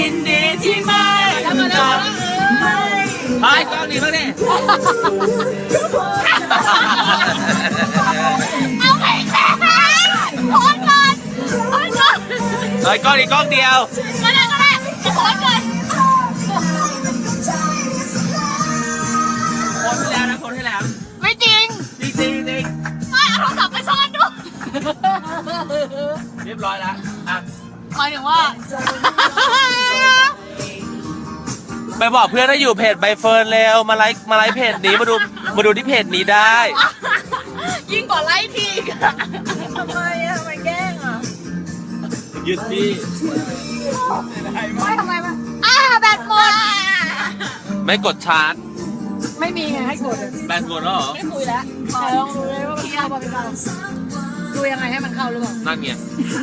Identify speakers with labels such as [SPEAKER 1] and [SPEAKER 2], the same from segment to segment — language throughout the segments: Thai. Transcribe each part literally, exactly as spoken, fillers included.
[SPEAKER 1] ยินดีที่ไม่รู้จักไปกล้องนี้บ้างดิ
[SPEAKER 2] เอาไปแค่โพสก่อนโพสก่อน
[SPEAKER 1] เฮ้ยกล้องนี้กล้องเดียว
[SPEAKER 2] ก็ได้ก็ได้จะโพสก่อน
[SPEAKER 1] โพสให้แล้วนะโพสให้แล้ว
[SPEAKER 2] ไม่จริง
[SPEAKER 1] จริงจริงจริง
[SPEAKER 2] ไม่เอาโทรศัพท์ไปซ่อนด้วย
[SPEAKER 1] เรียบร้อยแล้วอ่ะ
[SPEAKER 2] หมายถึงว่า
[SPEAKER 1] ไปบอกเพื่อนให้อยู่เพจใบเฟิร์นเร็วมาไลค์มาไลค์เพจนี้มาดูมาดูที่เพจนี้ได้
[SPEAKER 2] ยิ่งกว่าไลค์ที
[SPEAKER 3] ทำไมอะทำไมแกล้งอะ
[SPEAKER 1] ยึดที่
[SPEAKER 2] ไม่ทำไมมาอ่าแบตหมด
[SPEAKER 1] ไม่กดชาร์จ
[SPEAKER 3] ไม่มีไงให้กด
[SPEAKER 1] แบตหมดแล้วเหรอ
[SPEAKER 3] ไม่คุยแล้วลองดูเลยว่ามันเข้าป่ะไม่เข้าดูยังไงให้มันเข้าหรือเปล่า
[SPEAKER 1] นั่นไง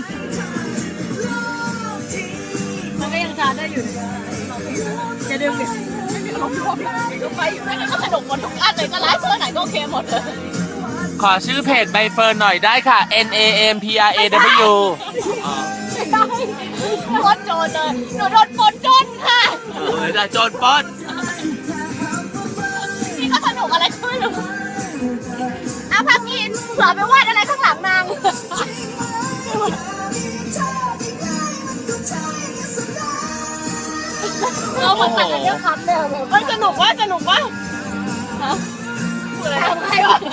[SPEAKER 3] มันก็ยังชาร์จได้อยู่จะดึงดิ
[SPEAKER 2] ไม่มีอารมณ์ร่วมก็ไปอยู่นั่นก็สนุกหมดทุกอันเลยก็ไลฟ์เพื่อไหนก็โอเคหมดเลย
[SPEAKER 1] ขอชื่อเพจใบเฟิร์นหน่อยได้ค่ะ N A M P R A W
[SPEAKER 2] ไม่ได้โดนโจรเลยหนูโดนปนจนค่ะ
[SPEAKER 1] เออจะโจรปล้น
[SPEAKER 2] นี่ก็สนุกอะไรก็ไม่รู้อ่ะพักกินเผื่อไปวาดอะไรข้างหลังนางเราเหมือนกันเรื่องคัดเลยมันสนุกว่าสนุกว่าฮะพูดอะไรทำไงวะ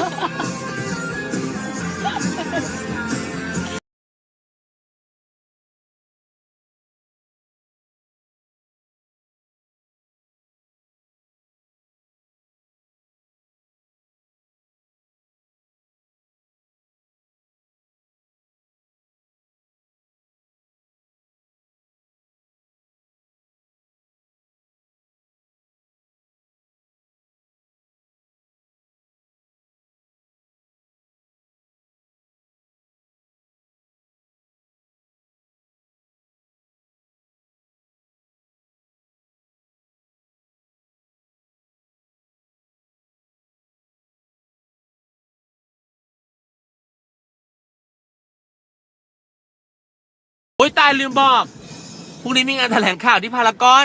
[SPEAKER 1] โอ๊ยตายลืมบอกพรุ่งนี้มีงานแถลงข่าวที่พารากอน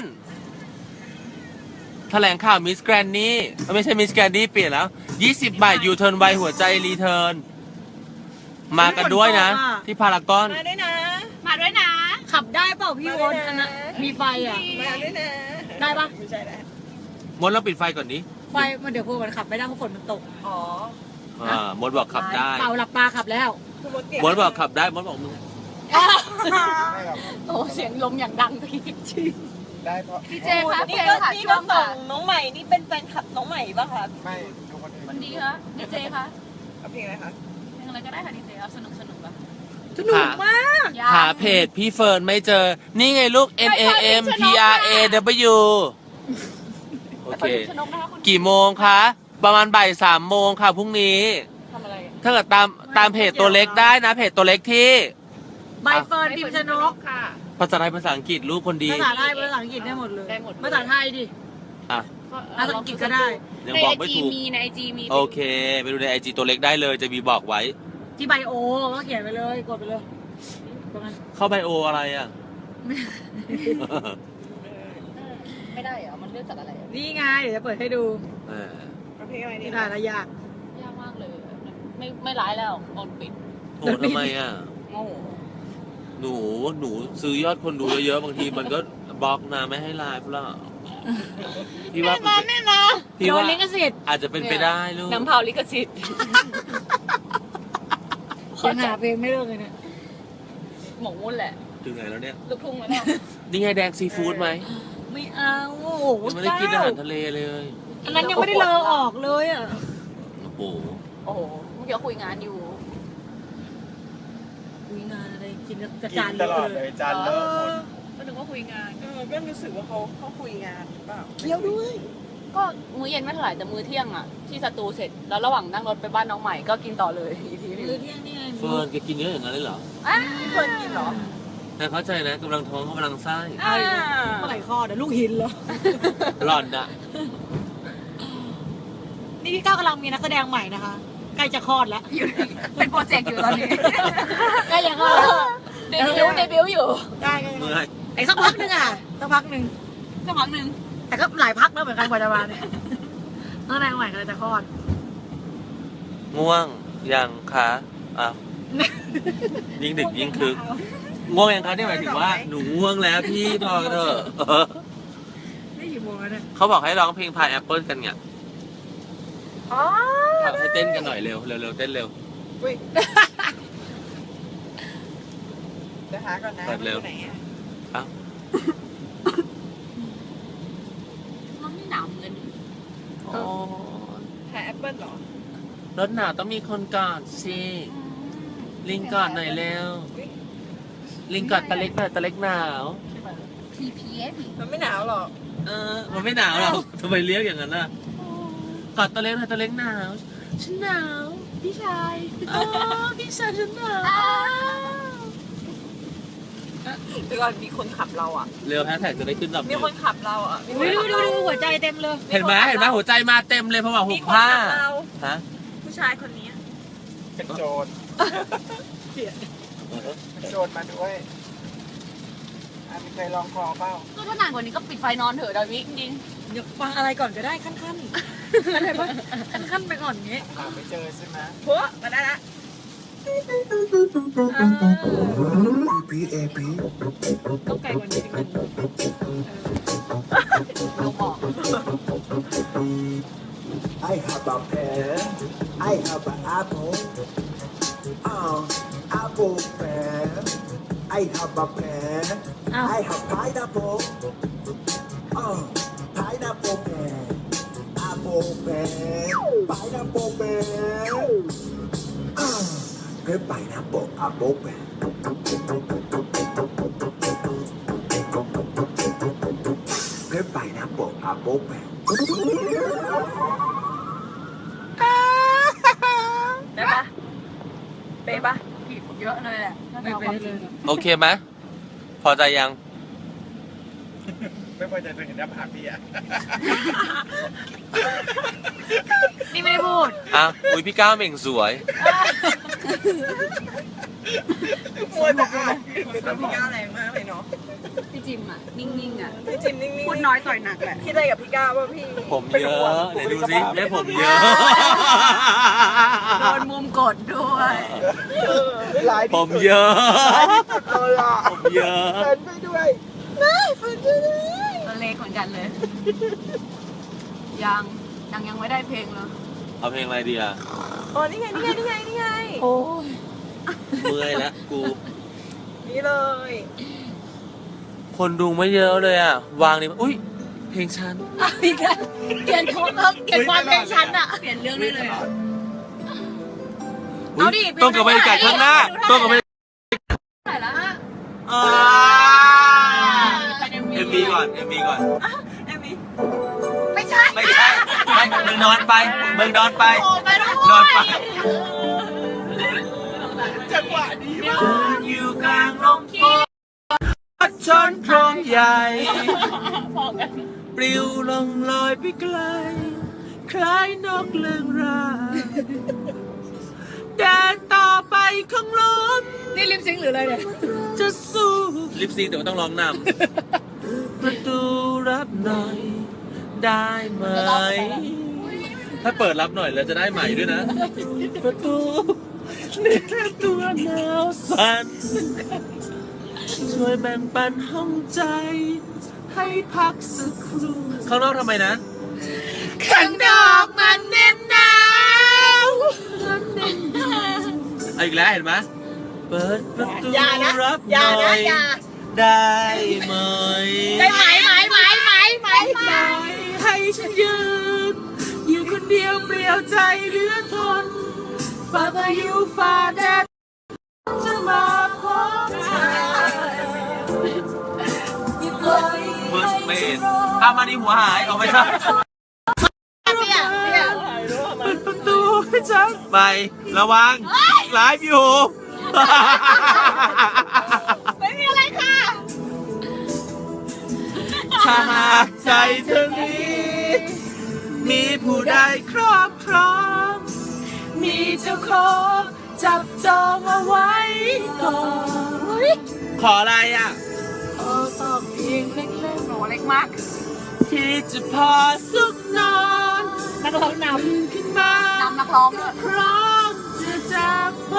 [SPEAKER 1] แถลงข่าวมิสแกรนนี่ไม่ใช่มิสแกรนนี่เปลี่ยนแล้วยี่สิบบาทยูเทิร์นไวหัวใจรีเทิร์นมากันด้วยนะที่พารากอน
[SPEAKER 3] มาด้วยนะ
[SPEAKER 2] มาด้วยนะ
[SPEAKER 3] ขับได้เปล่าพี่วอนอันนั้นมีไฟอ่ะ
[SPEAKER 2] มาด้วยนะ
[SPEAKER 3] ได้ปะ
[SPEAKER 2] ไม่ใช่แล้ว
[SPEAKER 1] มดเราปิดไฟก่อนนี้
[SPEAKER 3] ไฟมันเดี๋ยวพวกมันขับไม่ได้เพราะฝนมันตก
[SPEAKER 2] อ๋อ
[SPEAKER 1] อ่ามดบอกขับได้
[SPEAKER 3] เป่าหลับตาขับแล้ว
[SPEAKER 1] มดบอกขับได้มดบอกมึง
[SPEAKER 2] โอ้เสียงลมอย่างดังพี่
[SPEAKER 4] ได้เพราะ
[SPEAKER 2] พี่เจคะ
[SPEAKER 3] นี่ก็นี่ก็ส่งน้องใหม่นี่เป็นแฟนคลับน้องใหม่ป่ะคะ
[SPEAKER 4] ไม่ทุกคน
[SPEAKER 2] วันดีคะดีเจคะ
[SPEAKER 3] เอาเพลงอะไรคะ
[SPEAKER 2] เพลงอะไรก็ได้ค่ะดีเจเอาสนุกสนุกป่ะ
[SPEAKER 3] สนุกมาก
[SPEAKER 1] หาเพจพี่เฟิร์นไม่เจอนี่ไงลูก N A M P R A W โอเคกี่โมงคะประมาณบ่ายสามโมงค่ะพรุ่งนี้
[SPEAKER 2] ทำอะไร
[SPEAKER 1] ถ้าเกิดตามตามเพจตัวเล็กได้นะเพจตัวเล็กที่
[SPEAKER 3] ใบเฟิร์นพิมพ์ชนก
[SPEAKER 2] ค่ะ
[SPEAKER 1] ภาษาไทยภาษาอังกฤษลูกคนดี
[SPEAKER 3] ภาษาไทยภาษาอังกฤษได้หมดเลยภาษาไทยดิ
[SPEAKER 1] อ่ะ
[SPEAKER 3] ภาษาอังกฤษก็ได้
[SPEAKER 1] ยังบอกไม่ถูก
[SPEAKER 2] มีในไอจีมี
[SPEAKER 1] โอเคไปดูในไอจีตัวเล็กได้เลยจะมีบอกไว้
[SPEAKER 3] ที่ไบโอก็เขียนไปเลยกดไปเลย
[SPEAKER 1] เข้าไบโออะไรอ่ะ
[SPEAKER 2] ไม่ได้เหรอมันเลือกจากอะไร
[SPEAKER 3] นี่ไงเดี๋ยวจะเปิดให้ดู
[SPEAKER 1] เออ
[SPEAKER 3] เพลงอะไรนี่ได้ละยาก
[SPEAKER 2] ยากมากเลยไม่ไม่ร้ายแล้วโดนปิด
[SPEAKER 1] โหทำไมอ่ะ
[SPEAKER 2] โอ้
[SPEAKER 1] หนูหนูซื้อยอดคนดูเยอะๆบางทีมันก็บล็อกนะไม่ให้ไลฟ์แล้ว
[SPEAKER 2] พี่ว่าแน่นะ
[SPEAKER 1] พี่ว่า
[SPEAKER 3] ลิขสิทธิ์
[SPEAKER 1] อาจจะเป็นไปได้ลูก
[SPEAKER 2] น้ำเผาลิขสิทธิ์
[SPEAKER 3] ยังหาเพลงไม่เลิกเลยเนี่ย
[SPEAKER 2] หมกมุ่นแหละ
[SPEAKER 1] ถึงไหนแล้วเนี่ย
[SPEAKER 2] ลูกทุ่งแล้วเนี่ย
[SPEAKER 1] นี่ไงแดงซีฟู้ดไหม
[SPEAKER 3] ไม่เอาโอ้โห
[SPEAKER 1] ไม่ได้กินอาหารทะเลเลย
[SPEAKER 3] อันนั้นยังไม่ได้เลอออกเลยอ่ะ
[SPEAKER 1] โอ้โห
[SPEAKER 2] โอ้โหเดี๋ยวคุยงานอยู่
[SPEAKER 3] คุยงานอะไรกินกระจาน
[SPEAKER 4] ตลอดเลยจานเลิศ
[SPEAKER 2] ก็นึกว่าคุยงาน
[SPEAKER 3] เออก็รู้สึกว่าเขาเขาคุยงานเปล่าเที่ยวด้วย
[SPEAKER 2] ก็มื้อเย็นไม่เท่าไหร่แต่มื้อเที่ยงอ่ะที่สตูเสร็จแล้วระหว่างนั่งรถไปบ้านน้องใหม่ก็กินต่อเลยอีกทีนึง
[SPEAKER 3] มื้อเที่ยงนี่
[SPEAKER 1] เฟิร์นแกกินเยอะอย่างนั้นเลยเหรอ
[SPEAKER 2] อ่ะเฟิร์นกินเหรอ
[SPEAKER 1] แต่เข้าใจนะกำลังท้องกำลังไส้
[SPEAKER 3] เมื่อไหร่คลอดเดี๋ยวลูกหินเหรอ
[SPEAKER 1] หล่อนอะ
[SPEAKER 3] นี่พี่ก้าวกำลังมีนักแสดงใหม่นะคะใกล้จะคลอดแล้ว
[SPEAKER 2] เป็นโปรเจกต์อยู่ตอนนี้
[SPEAKER 3] ใกล้จะคลอดแล้ว
[SPEAKER 2] เดบิวต์เดบิวต์อยู่
[SPEAKER 3] ได้ไง
[SPEAKER 1] เมื่อย
[SPEAKER 3] ไอ้สักพักหนึงอ่ะสักพักหนึ่ง
[SPEAKER 2] สักพักหนึ่ง
[SPEAKER 3] แต่ก็หลายพักแล้วเหมือนกันกว่าจะมาเนี่ยตั้งแต่ใหม่ก็เลยจะคลอด
[SPEAKER 1] ง่วงยังคะอ้าวยิ่งดึกยิ่งคึกง่วงยังคะนี่หมายถึงว่าหนูง่วงแล้วพี่พอเถอะเออ
[SPEAKER 3] นี่กี่โมงแล้วเนี่ย
[SPEAKER 1] เขาบอกให้ร้องเพลงพายแอปเปิลกันเนี่ย
[SPEAKER 2] อ๋อ
[SPEAKER 1] ให้เต้นกันหน่อยเร็วเร็วเร็วเต้นเร็ว
[SPEAKER 4] อุ้ยเดี๋ยวหาก่อนนะ
[SPEAKER 1] เปิดเร็ว
[SPEAKER 4] ไหนอะ
[SPEAKER 1] อ้าว
[SPEAKER 2] มันไม่หนาวเหมือนกัน
[SPEAKER 1] อ๋อ
[SPEAKER 4] หาแอปเปิ้ลเหรอ
[SPEAKER 1] รถหนาวต้องมีคนกอดสิลิงกอดหน่อยเร็วลิงกอดตะเล็กหน่อยตะเล็กหนาว
[SPEAKER 2] พีพีเอส
[SPEAKER 4] มันไม่หนาวหรอก
[SPEAKER 1] เออมันไม่หนาวหรอกทำไมเรียกอย่างนั้นน่ะกอดตะเล็กหน่อยตะเล็กหนาวฉันหนาวพี่ชายอ๋อพี่ชายฉันหนาว
[SPEAKER 4] เดี๋ยวก่อนมีคนขับเราอ่ะ
[SPEAKER 1] เร็วแฮชแท็กจะได้ขึ้นลำ
[SPEAKER 4] มีคนขับเราอ่ะ
[SPEAKER 3] อุ้ยดูดูดูหัวใจเต็มเลย
[SPEAKER 1] เห็นไหมเห็นไหมหัวใจมาเต็มเลยเพราะว่าหุ
[SPEAKER 4] มี
[SPEAKER 1] บ
[SPEAKER 4] คน
[SPEAKER 1] ผ้า
[SPEAKER 4] ขับเรา
[SPEAKER 1] ฮะ
[SPEAKER 4] ผู้ชายคนนี้เป็นโจรเป็นโจรมาด้วยอ่ะมีใครลองคอเปล่า
[SPEAKER 2] ก็ถ้านานกว่านี้ก็ปิดไฟนอนเถอะดาวิจริง
[SPEAKER 3] เดี๋ยวฟังอะไรก่อนก็ได้ขั้นขั้นๆอะไรปะขั้นขั้นๆไปก่อนอย่างงี้
[SPEAKER 4] หาไม่เจอใช่ไหม
[SPEAKER 3] พวมาได้ละ
[SPEAKER 5] พีเอพี
[SPEAKER 3] ต้องไกลกว่านี้นิดนึง
[SPEAKER 2] ๆเราบอก
[SPEAKER 5] I have a pen I have an apple uh, apple pen I have a pen I have pineapple uh, pineapple pen apple pen pineapple pen uh, cái pineapple apple pen cái pineapple apple pen
[SPEAKER 2] ได้ปะเป๊ะปะผิดเยอะเลยแหละถ้า
[SPEAKER 3] ไม่
[SPEAKER 2] เอา
[SPEAKER 3] ไป
[SPEAKER 2] ความ
[SPEAKER 3] ได้
[SPEAKER 2] จ
[SPEAKER 3] เล
[SPEAKER 2] ริง
[SPEAKER 3] ย
[SPEAKER 1] โอเคไหมพอใจยัง
[SPEAKER 4] ไม่พอใจตัวเห็นหน้าผากพี่อ่ะ
[SPEAKER 3] นี่ไม่ได้พูด
[SPEAKER 1] อ่ะอุ้ยพี่ก้าวเหม่งสวย
[SPEAKER 4] มัวแต่อ่านแต่พี่ก้าวแรงมากเลยเนาะ
[SPEAKER 2] พี่จิมอ่ะ นิ่งๆอ่ะ
[SPEAKER 4] พี่จิมนิ่งๆ
[SPEAKER 3] พูดน้อยต่อยหนักแหละ
[SPEAKER 4] คิดอะไรกับพี่ก้าวว่าพี่
[SPEAKER 1] ผมเยอะไหนดูสิได้ผมเยอะ
[SPEAKER 2] โดนมุมกดด้วย
[SPEAKER 4] หลาย
[SPEAKER 1] ผมเยอะ
[SPEAKER 4] เลยอ่ะ
[SPEAKER 1] ผมเยอะ
[SPEAKER 4] เฟิร์นไปด้วยไม่เฟิร์นไปด้วย
[SPEAKER 2] ตัวเล็กเหมือนกันเลย ยังยังยังไม่ได้เพลงเลย
[SPEAKER 1] เอาเพลงอะไรดีอ่ะ
[SPEAKER 4] อ๋อนี่ไงนี่ไงนี่ไงนี่ไง
[SPEAKER 2] โอ้ย
[SPEAKER 1] เมื่อยแล้วกู
[SPEAKER 4] นี่เลย
[SPEAKER 1] คนดูไม่เยอะเลยอ่ะ วางนี่อุ้ยเพลงฉัน
[SPEAKER 2] อีกแล้วเปลี่ยนโทนเพิ่มเปลี่ยนความเป็นฉันอ่ะ เปลี่ยนเรื่องได้เลยอะ เอาดิ
[SPEAKER 1] ต้องกับบรรยากาศข้างหน้าต้องกับบรรยากาศ
[SPEAKER 2] ไหนละ
[SPEAKER 1] อ่าเอ็มบีก่อนเอ็มบีก่อน
[SPEAKER 2] ไม่ใช่
[SPEAKER 1] ไม่ใช่ไม่มึงนอนไปมึงนอนไป
[SPEAKER 2] โอ้ไปด้วย
[SPEAKER 1] นอนไป
[SPEAKER 4] จังหวะนี้มาก
[SPEAKER 1] อยู่กลางลมฝนชนโครงใหญ่ ปลิวลงลอยไปไกล คล้ายนกเลื่องรางเดินต่อไปข้างลม
[SPEAKER 3] นี่ลิปซิงค์หรืออะไรเนี่ย
[SPEAKER 1] จะสู้ลิปซิงค์แต่ว่าต้องร้องนำประตูรับหน่อย ได้ไหม ถ้าเปิดรับหน่อยแล้วจะได้ใหม่ด้วยนะ ประตูนี่แค่ตัวหนาวสั่นช่วยแบ่งปันห้องใจ ให้พักสักครู่ข้างนอกทำไมนะ
[SPEAKER 2] ข้างนอกมันเน้นหนาว
[SPEAKER 1] เอาอีกแล้วเห็นไหมเปิดประตู
[SPEAKER 4] อย่านะ
[SPEAKER 1] รับห
[SPEAKER 4] อย่า
[SPEAKER 1] น่อ
[SPEAKER 4] นะ
[SPEAKER 1] ย
[SPEAKER 4] อย่า
[SPEAKER 1] ได้ไหม
[SPEAKER 2] ได้ไหมไหมไหมไหมไหมไหม
[SPEAKER 1] ให้ฉันยืน อยู่คนเดียวเปลี่ยวใจเหลือทนฝ่าพายุฝ่าแดดจะมาพบเธอมือไม่เห็นถ้ามาดีหัวหายเอาไม่ใช่
[SPEAKER 2] เนี่ยเนี่ย
[SPEAKER 1] เปิดประตูให้ฉันไประวังไลฟ์อยู่
[SPEAKER 2] ไม่มีอะไรค่ะ
[SPEAKER 1] ถ้าหากใจเธอนี้มีผู้ใดครอบครอง มีเจ้าของจับจองเอาไว้ก่อนขออะไรอ่ะ
[SPEAKER 3] เออตอบเพียงเล็กๆหนูเล็กมาก
[SPEAKER 1] ที่จะพอสุขนอน
[SPEAKER 3] นักร้องน
[SPEAKER 1] ขึ้นมา
[SPEAKER 3] ำนำนักร้องด้วย
[SPEAKER 1] พร้อมจะจากไป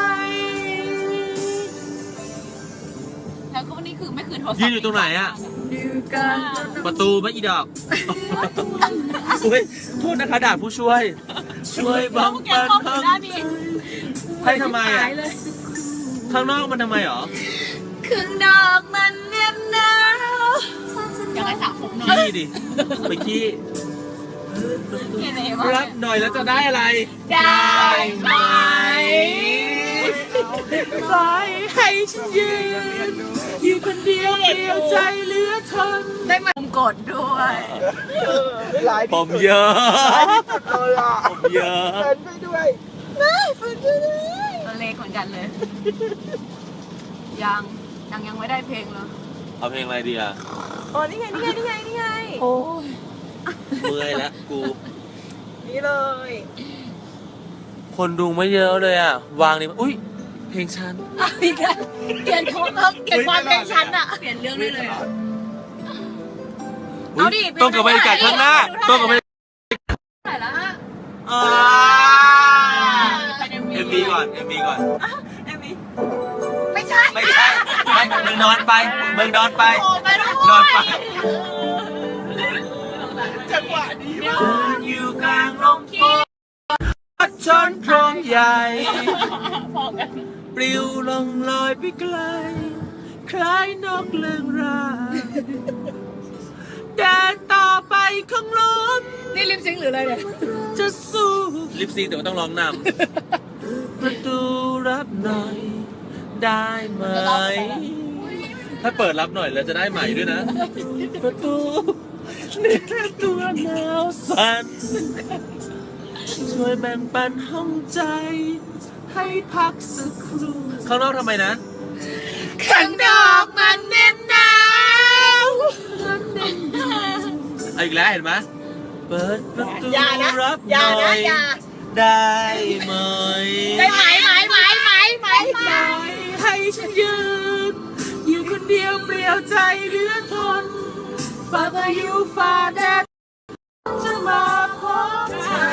[SPEAKER 2] แล้วก็นี่คือไม่คืนโทรศัพท์
[SPEAKER 1] ยืนอยู่ตรงไหนอ่ะ
[SPEAKER 3] อยู่กัน
[SPEAKER 1] ประตูไม่อีดอกอุ้ยโทษนะคะด่าผู้ช่วย ช่วยบัง
[SPEAKER 2] แก
[SPEAKER 1] ปัน
[SPEAKER 2] เข้า
[SPEAKER 1] ค
[SPEAKER 2] ถึงได้นี่
[SPEAKER 1] ำให้ทำไมอ่ะ
[SPEAKER 3] หายเลย
[SPEAKER 1] ข้างนอกมันทำไมหรอ
[SPEAKER 2] คืนดอกมันเนียบหนาวยังไงสาวผมหน่อย
[SPEAKER 1] ขี้ดิไปขี้
[SPEAKER 2] เกเรมาก
[SPEAKER 1] รับหน่อยแล้วจะได้อะไร
[SPEAKER 2] ได้ไหม
[SPEAKER 1] ปล่อยให้ฉันยืนอยู่คนเดียวเดียวใจเหลือทน
[SPEAKER 2] ได้มาผมกดด้วย
[SPEAKER 4] หลาย
[SPEAKER 1] ผมเยอะ
[SPEAKER 4] สุดเลยอ่ะ
[SPEAKER 1] ผมเยอะ
[SPEAKER 4] เดินไปด้วย
[SPEAKER 2] ตัวเล็กเหมือนกันเลย ยังยังยังไม่ได้เพลงเลย
[SPEAKER 1] เอาเพลงอะไรดีอ่ะ
[SPEAKER 2] โอ้นี่ไงนี่ไงนี่ไงนี่ไง
[SPEAKER 3] โอ้ย
[SPEAKER 1] เมื่อยแล้วกู
[SPEAKER 2] นี่เลย
[SPEAKER 1] คนดูไม่เยอะเลยอ่ะ วางนี่อุ้ยเพลงฉัน
[SPEAKER 2] เปลี่ยนเปลี่ยนโทนเปลี่ยนความเพลงฉันอะเปลี่ยนเรื่องได้เลยอะ เอาดิ
[SPEAKER 1] ต้องกับบรรยากาศข้างหน้า
[SPEAKER 2] ดูท่า
[SPEAKER 1] ต้องกับบรรยากาศ
[SPEAKER 2] ไหนละฮะ
[SPEAKER 1] อ่า
[SPEAKER 2] เป็น
[SPEAKER 1] เอ็มวีก่อนเอ็มวีก่อน
[SPEAKER 2] เอ็มวีไม่ใช่
[SPEAKER 1] ไม่ใช่ไม่มึงนอนไปมึงนอนไป
[SPEAKER 2] โอ้ไปด้วย
[SPEAKER 1] นอนไป
[SPEAKER 4] จังหวะนี้
[SPEAKER 1] อยู่กลางลมฝนพัดชนโครงใหญ่
[SPEAKER 2] พอกัน
[SPEAKER 1] ปลิวลงลอยไปไกล คล้ายนกเลืองรางเดินต่อไปข้างลม
[SPEAKER 3] นี่ลิปซิงค์หรืออะไรเนี่ย
[SPEAKER 1] จะสู้ลิปซิงค์แต่ว่าต้องร้องนำประตูรับหน่อย ได้ไหม ถ้าเปิดรับหน่อยแล้วจะได้ใหม่ด้วยนะ ประตูนี่แค่ตัวหนาวสั่นช่วยแบ่งปันห้องใจ ให้พักสักครู่ข้างนอกทำไมนะ
[SPEAKER 2] ข้างดอกมันเน็บหนาว
[SPEAKER 1] เอาอีกแล้วเห็นไหมเปิดประตู
[SPEAKER 2] อย่านะ
[SPEAKER 1] รับ
[SPEAKER 2] อ
[SPEAKER 1] ห
[SPEAKER 2] ย่า
[SPEAKER 1] น่อ
[SPEAKER 2] นะ
[SPEAKER 1] ย
[SPEAKER 2] อย่า
[SPEAKER 1] ได้ไหม
[SPEAKER 2] ได้ไหมไหมไหมไหมไหมไหม
[SPEAKER 1] ให้ฉันยืน อยู่คนเดียวเปลี่ยวใจเหลือทนฝ่าพายุฝ่าแดดจะมาพบเธอ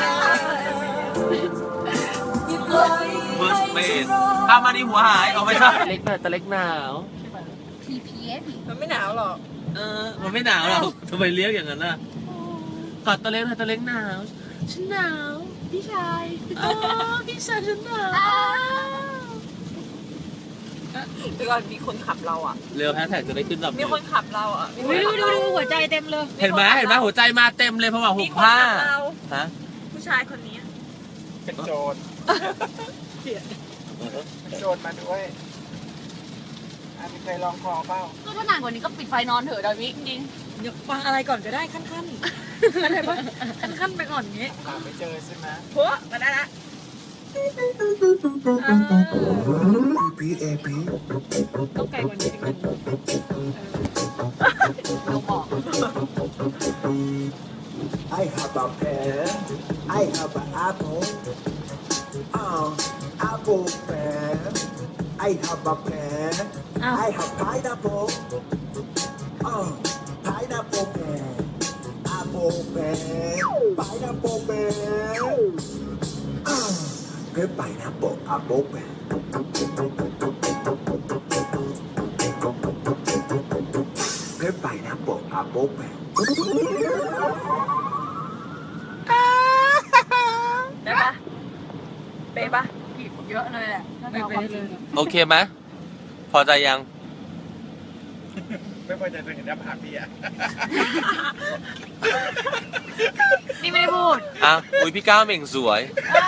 [SPEAKER 1] เบิร์สเบนถ้ามาดีหัวหายเอาไปซะเล็กหน่อยแต่เล็กหนาว
[SPEAKER 2] ทีพีเอส
[SPEAKER 4] มันไม่หนาวหรอก
[SPEAKER 1] เออ มันไม่หนาวหรอกทำไมเลี้ยงอย่างนั้นล่ะกอดตัวเล็กหน่อยตัวเล็กหนาว ฉันหนาว พี่ชายอ๋อพี่ชายฉันหนาว
[SPEAKER 4] เดี๋ยวก่อนมีคนขับเราอ่ะ
[SPEAKER 1] เร็วแฮชแท็กจะได้ขึ้นแบบ
[SPEAKER 4] มีคนขับเราอ่ะมี
[SPEAKER 3] อุ๊ยดูดูดูหัวใจเต็มเลย
[SPEAKER 1] เห็นไหมเห็นไหมหัวใจมาเต็มเลยเพราะว่าหุบผ้าฮะ
[SPEAKER 2] ผู้ชายคนนี้
[SPEAKER 4] เป็นโจรเป็นโจรมาด้วยอ่ะมีใครลองคอเปล่า
[SPEAKER 2] ก็ถ้านานกว่านี้ก็ปิดไฟนอนเถอะดาวิจริง
[SPEAKER 3] เดี๋ยวฟังอะไรก่อนก็ได้ขั้นขั้นๆอะไรปะขั้นขั้นๆไปก่อนอย่างงี้
[SPEAKER 4] หาไม่เจอใช่ไหม
[SPEAKER 2] ๆพัวมาได้ละ
[SPEAKER 5] พี่เอพี
[SPEAKER 3] ต้องไกลกว่านี้นิดนึง
[SPEAKER 2] เราบอก
[SPEAKER 5] I have a pen I have an apple uh, apple pen I have a pen I have pineapple uh, pineapple pen apple pen pineapple pen uh, cái pineapple apple pen cái pineapple apple pen
[SPEAKER 2] ได้ปะเป๊ะปะผิดเยอะเลยแหละถ้า
[SPEAKER 3] ไม่
[SPEAKER 2] เรา
[SPEAKER 3] ไป
[SPEAKER 2] ความ
[SPEAKER 3] เลย
[SPEAKER 1] โอเคไหมพอใจยัง
[SPEAKER 4] ไม่พอใจตัวเห็นหน้าผากพี่อ่ะ
[SPEAKER 2] นี่ไม่ได้พูด
[SPEAKER 1] อ่ะอุ้ยพี่ก้าวเหม่งสวย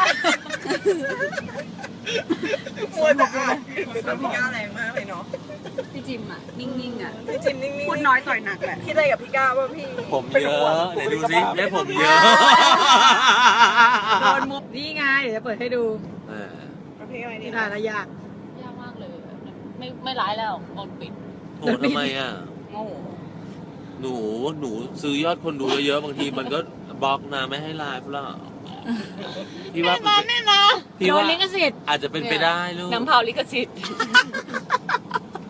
[SPEAKER 4] มัวแต่อ่านเป็นพี่ก้าวแรงมากเลยเนาะ
[SPEAKER 2] พี่จิมอ่ะ นิ่งๆอ่ะ
[SPEAKER 4] พี่จิมนิ่งๆ
[SPEAKER 2] พูดน้อยต่อยหนักแหละ
[SPEAKER 4] คิดอะไรกับพี่ก้าวว่าพี่
[SPEAKER 1] ผมเยอะไหนดูสิได้ผมเยอะ
[SPEAKER 3] โดนมุกนี่ไงเดี๋ยวจะเปิดให้ดู
[SPEAKER 1] เออ
[SPEAKER 4] ประเภทอะไร
[SPEAKER 3] นี่
[SPEAKER 4] นี่
[SPEAKER 3] ถ่ายระยะ
[SPEAKER 2] ยากมากเลย ไม่ไม่ร้ายแล้วกดปิด
[SPEAKER 1] โหทำไมอ่ะ
[SPEAKER 2] โง่
[SPEAKER 1] หนูหนูซื้อยอดคนดูเยอะๆบางทีมันก็บล็อกนะไม่ให้ไลฟ์หรอกพี่ว่า
[SPEAKER 2] แน่นะ
[SPEAKER 1] พี่
[SPEAKER 3] โด
[SPEAKER 1] ว่าน
[SPEAKER 3] ลิขสิทธิ์
[SPEAKER 1] อาจจะเป็นไปได้ลูก
[SPEAKER 2] น้ำเผาลิขสิทธิ์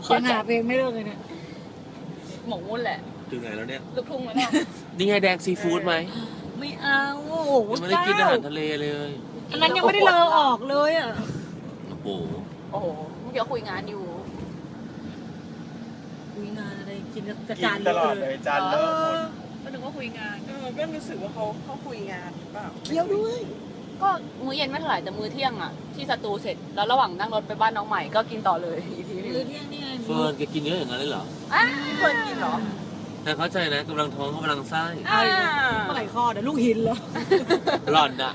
[SPEAKER 3] ยังหาเพลงไม่เลิกเลยเนี่ย
[SPEAKER 2] หมกมุ่นแหละ
[SPEAKER 1] ถึงไหนแล้วเนี่ย
[SPEAKER 2] ลูกทุ่งแล้วเนี่ย
[SPEAKER 1] นี่ไงแดงซีฟู้ดไหม
[SPEAKER 3] ไม่เอาโอ้โห
[SPEAKER 1] ยังไม่ได้กินอาหารทะเลเลย
[SPEAKER 3] อันนั้นยังไม่ได้เลอออกเลยอ่ะ
[SPEAKER 1] โอ้โห
[SPEAKER 2] โอ้โหเดี๋ยวคุยงานอยู่
[SPEAKER 3] คุยงานอะไรกินกระ
[SPEAKER 4] กิ
[SPEAKER 3] จาน
[SPEAKER 4] นตลอดเลยจานเลอะหมด
[SPEAKER 2] ก็นึกว่าคุยงาน
[SPEAKER 4] เออก็รู้สึกว่าเขาเขาคุยงานหรือเปล่า
[SPEAKER 3] เดียวด้วย
[SPEAKER 2] ก็มื้อเย็นไม่เท่าไหร่แต่มื้อเที่ยงอ่ะที่สตูเสร็จแล้วระหว่างนั่งรถไปบ้านน้องใหม่ก็กินต่อเลยอีกทีหนึง
[SPEAKER 3] มื้อเที่ยงนี่ไง
[SPEAKER 1] เฟิร์นแกกินเยอะอย่างนั้นเลยเหรอ
[SPEAKER 2] อ่ะเฟิร์นกินเหรอ
[SPEAKER 1] แต่เข้าใจนะกำลังท้องเขากำลังไส้
[SPEAKER 2] อ่า
[SPEAKER 3] เมื่อไหร่คลอดเดี๋ยวลูกหินเหรอ
[SPEAKER 1] หล่อนอะ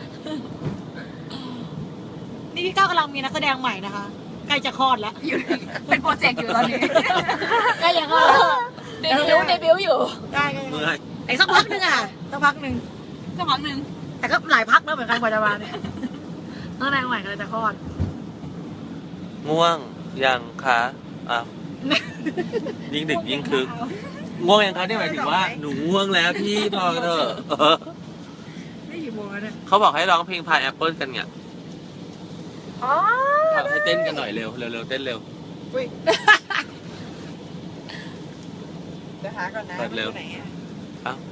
[SPEAKER 3] นี่พี่ก้าวกำลังมีนักแสดงใหม่นะคะใกล้จะคลอดแล้ว
[SPEAKER 2] อยู่เป็นโปรเจกต์อยู่ตอนนี้
[SPEAKER 3] ใกล้จะคลอดแล้ว
[SPEAKER 2] เดบิวต์เดบิวต์อยู่
[SPEAKER 3] ได้ก็
[SPEAKER 1] เมื่อย
[SPEAKER 3] แต่สักพักหนึงอ่ะสักพักหนึ่ง
[SPEAKER 2] ก็พักหนึ่ง
[SPEAKER 3] แต่ก็หลายพักแล้วเหมือนกันกว่าจะมาเนี่ยนักแสดงใหม่กำลังจะคลอด
[SPEAKER 1] ง่วงยังคะอ่ะยิ่งดึกยิ่งคึกง่วงยังคะนี่หมายถึงว่าหนูง่วงแล้วพี่พอเถอะเออ
[SPEAKER 3] นี่กี่โมงแล้วเนี่ย
[SPEAKER 1] เขาบอกให้ร้องเพลงพายแอปเปิลกันไง
[SPEAKER 2] อ๋อ
[SPEAKER 1] ให้เต้นกันหน่อยเร็วเร็วเร็วเต้นเร็ว
[SPEAKER 4] อุ้ยเดี๋ยวหาก่อนนะ
[SPEAKER 1] เปิดเร็ว
[SPEAKER 4] าไหนอะ
[SPEAKER 1] เอ้า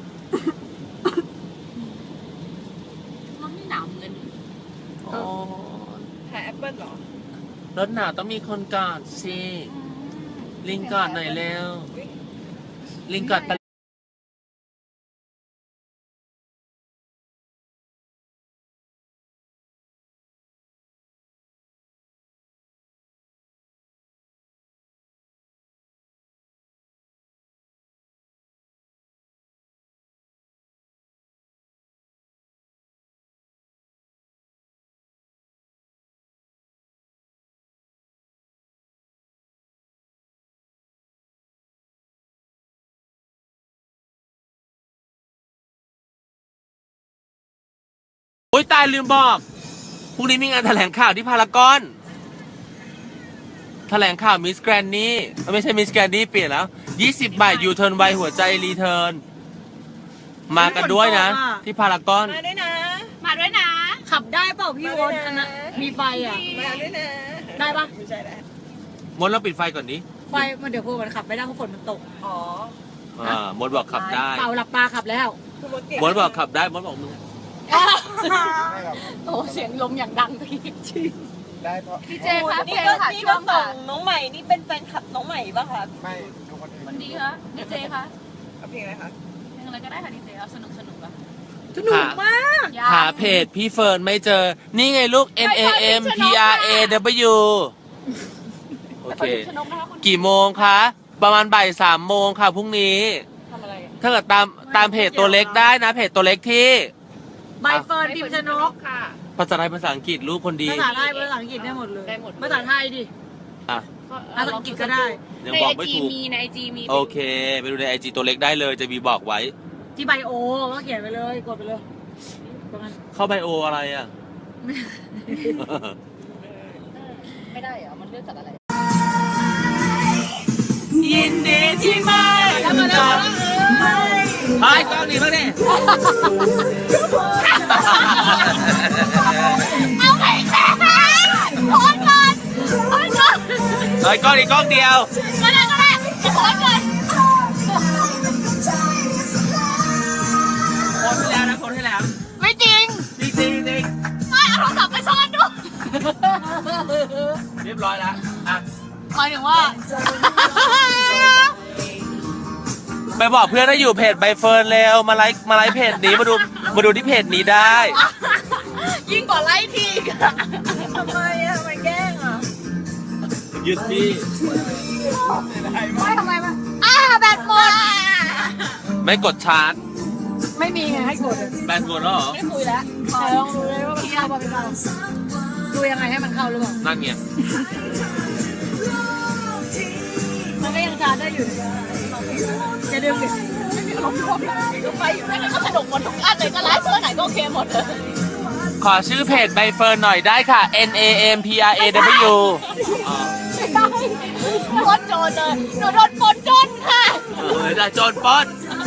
[SPEAKER 2] น้องนี่หนาวเหมือนกัน
[SPEAKER 1] อ๋อ
[SPEAKER 4] หาแอปเปิ้ลเหรอ
[SPEAKER 1] รถหนาวต้องมีคนกอดสิลิงกอดหน่อยเร็วลิงกอดปะโอ๊ยตายลืมบอกพรุ่งนี้มีงานแถลงข่าวที่พารากอน แถลงข่าวมิสแกรนนี่ไม่ใช่มิสแกรนนี่เปลี่ยนแล้วยี่สิบบาทยูเทิร์นไวหัวใจรีเทิร์นมากันด้วยนะ ที่พารากอน
[SPEAKER 4] มาด้วยนะ
[SPEAKER 2] มาด้วยนะ
[SPEAKER 3] ขับได้เปล่าพี่วอนอันนั้นมีไฟอ่ะ
[SPEAKER 4] มาด้วยนะ
[SPEAKER 3] ได้ปะ
[SPEAKER 4] ไม่ใช่แล้ว
[SPEAKER 1] มดเราปิดไฟก่อนนี้
[SPEAKER 3] ไฟมันเดี๋ยวพวกมันขับไม่ได้เพราะฝนมันตก
[SPEAKER 4] อ๋อ
[SPEAKER 1] อ่ามดบอกขับได้
[SPEAKER 3] เปล่าหลับตาขับแล้ว
[SPEAKER 4] คือมดเก่ง
[SPEAKER 1] มดบอกขับได้มดบอกมึง
[SPEAKER 4] ไม่หรอก
[SPEAKER 2] โอ้เสียงลมอย่างดังที
[SPEAKER 4] ได้เพราะ
[SPEAKER 2] พี่เจคะ
[SPEAKER 6] นี่
[SPEAKER 2] เพลง
[SPEAKER 6] ก็
[SPEAKER 2] ค่ะ
[SPEAKER 6] นี่
[SPEAKER 2] ช่
[SPEAKER 6] ก็
[SPEAKER 2] วง
[SPEAKER 6] ส่
[SPEAKER 2] ค่ะ
[SPEAKER 6] งน้องใหม่ นี่เป็นแฟนคลับน้องใหม่ป่ะคะ
[SPEAKER 4] ไม่ดูคนอื่น
[SPEAKER 2] มันดีคะดีเจคะ
[SPEAKER 4] เอาเพลงอะไรคะ
[SPEAKER 2] เพลงอะไรก็ได้ค่ะดีเจเอาสนุกสนุกอะ
[SPEAKER 3] สนุกมาก
[SPEAKER 2] ยาก
[SPEAKER 1] หาเพจพี่เฟิร์นไม่เจอ นี่ไงลูก N A M P R A W โอ
[SPEAKER 2] แต่
[SPEAKER 1] เค
[SPEAKER 2] คนชนกนะคะคุณ
[SPEAKER 1] กี่โมงคะ ประมาณบ่ายสามโมงค่ะพรุ่งนี้
[SPEAKER 2] ทำอะไรอะ
[SPEAKER 1] ถ้าเกิดตามตามเพจตัวเล็กได้นะ เพจตัวเล็กที่
[SPEAKER 3] ใบเฟิร์นพิมพ์ชนก
[SPEAKER 2] ค่ะ
[SPEAKER 1] ภาษาไทยภาษาอังกฤษลูกคนดี
[SPEAKER 3] ภาษาไทยภาษาอังกฤษได้หมดเลย
[SPEAKER 2] ได้หมดเลย
[SPEAKER 3] ภาษาไทยดิ
[SPEAKER 1] อ่ะ
[SPEAKER 3] ภาษาอังกฤษก็ได้
[SPEAKER 1] ยัง
[SPEAKER 2] ใน
[SPEAKER 1] บอ
[SPEAKER 2] ไอก
[SPEAKER 1] ไม่
[SPEAKER 2] จี
[SPEAKER 1] ถูก
[SPEAKER 2] มีในไอจีมี
[SPEAKER 1] โอเค ไปดูในไอจีตัวเล็กได้เลยจะมีบอกไว้
[SPEAKER 3] ที่ไบโอก็เขียนไปเลยกดไปเลยตรงนั้น
[SPEAKER 1] เข้าไบโออะไรอ่ะ
[SPEAKER 2] ไม่ได้เหรอมันเลือกจากอะไร
[SPEAKER 1] ยินดีที่ไม่จับไอ้กล้องนี้บ้างดิ
[SPEAKER 2] เอาไปแค่โอนก่อนโอนก่อน
[SPEAKER 1] เฮ้ยกล้องนี้กล้องเดียว
[SPEAKER 2] ก็ได้ก็ได้จะโอนก่อน
[SPEAKER 1] คนที่แล้วนะคนที่แล้ว
[SPEAKER 2] ไม่จริง
[SPEAKER 1] จริงจริงจริง
[SPEAKER 2] ไม่เอาโทรศัพท์ไปซ่อนดู
[SPEAKER 1] เรียบร้อยแล้วอ่ะ
[SPEAKER 2] หมายถึงว่า
[SPEAKER 1] ไปบอกเพื่อนให้อยู่เพจใบเฟิร์นเร็วมาไลค์มาไลค์เพจนี้มาดูมาดูที่เพจนี้ได้
[SPEAKER 2] ยิ่งกว่าไล่ทีอีกอะ
[SPEAKER 6] ทำไมอะทำไมแกล้งอะ
[SPEAKER 1] ยึดที่
[SPEAKER 3] ไม่ทำไมมา
[SPEAKER 2] อ่าแบตหมด
[SPEAKER 1] ไม่กดชาร์จ
[SPEAKER 3] ไม่มีไงให้กดอะ
[SPEAKER 1] แบนหมดแล้วเหรอ
[SPEAKER 2] ไม่คุยแล้ว
[SPEAKER 3] แต่ลองดูเลยว่ามันเข้ามาเป็นเราดูยังไงให้มันเข้าหรือเปล่า
[SPEAKER 1] นั่นไง
[SPEAKER 3] มันก็ยังชาร์จได้อยู่จะดึงดิ
[SPEAKER 2] ลมลมก็ไปอยู่นั่นก็สนุกหมดทุกอันเลยก็ไลฟ์เพื่อไหนก็โอเคหมดเลย
[SPEAKER 1] ขอชื่อเพจใบเฟิร์นหน่อยได้ค่ะ N A M P R A W อ๋อ
[SPEAKER 2] ไม่ได้โดนโจรเลยหนูโดนปนจนค่ะ
[SPEAKER 1] เออจะโจรปล้น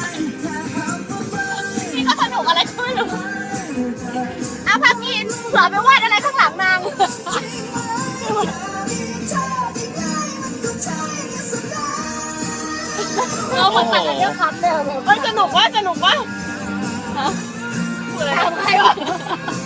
[SPEAKER 2] นี่ก็สนุกอะไรก็ไม่รู้เอาพักกินเผื่อไปวาดอะไรข้างหลังนางคนตัดกันเยอะครับเนี่ยไม่สนุกว่าสนุกว่าฮะพูดอะไรทำใครวะ